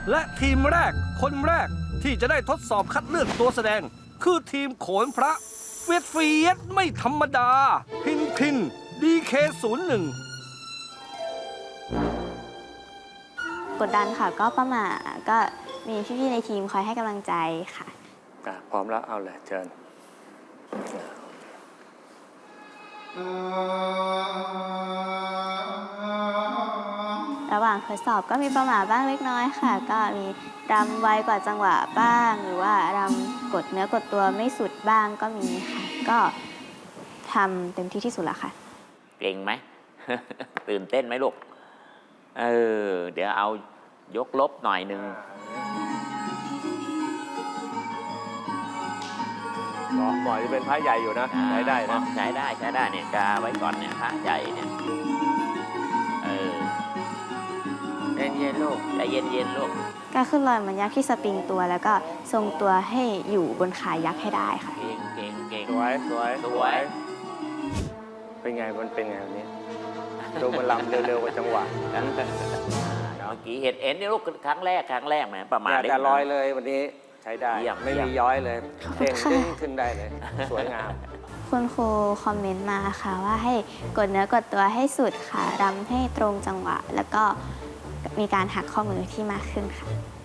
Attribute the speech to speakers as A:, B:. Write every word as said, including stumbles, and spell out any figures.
A: และทีมแรกคนแรกที่จะได้ทดสอบคัดเลือกตัวแสดง คือทีมโขนพระเฟียดเฟียดไม่ธรรมดา พินพินดีเคศูนย์หนึ่ง
B: กดดันค่ะก็ประมาก็มีพี่ๆในทีมคอยให้กำลังใจค่ะ
C: อ่ะพร้อมแล้วเอาเลยเชิญ
B: ระหว่างทดสอบก็มีประมาทบ้างเล็กน้อยค่ะ ก็มีรำไวกว่าจังหวะบ้าง หรือว่ารำกดเนื้อกดตัวไม่สุดบ้างก็มีค่ะ ก็ทำเต็มที่ที่สุดแล้วค่ะ
D: เก่งไหม ตื่นเต้นไหมลูก เออ เดี๋ยวเอายกลบหน่อยหนึ่ง
C: หมอหมอจะเป็นพระใหญ่อยู่นะใช้ได้นะ
D: ใช้ได้ใช้ได้เนี่ยกาไว้ก่อนเนี่ยพระใหญ่เนี่ย เออเย็นเย็นๆลูกใจเย็นเย็นๆลูก
B: ก็ขึ้นลอยเหมือนยักษ์ที่สปริงตัว แล้วก็ทรงตัวให้อยู่บนขายักษ์ให้ได้ค่ะ
D: เก่งเก่งเก่ง
C: สวยสวย
D: สวย
C: เป็นไงมันเป็นไงวันนี้ดูมันลำเร็วๆกว่าจังหวะ
D: เมื่อกี้เห็นเอ็นนี่ลูกครั้งแรกครั้งแรกแหมประมาณ
C: เนี่ย
D: เล็ก
C: แต่
D: น้
C: ล
D: อ
C: อย ยเลยวันนี้ใช้ได้
D: เยี่ยม
C: ไม่
D: เยี่ย
C: มี
D: ม
C: ย้อยเลย
B: ขอบคุ
C: เด้
B: ณ
C: ง
B: ค่ะ
C: ดึงขึ้นได้เลย สวยงาม
B: คุณครูคอมเมนต์มาค่ะว่าให้กดเนื้อกดตัวให้สุดค่ะรำให้ตรงจังหวะ แล้วก็มีการหักข้อมือที่มากขึ้นค่ะ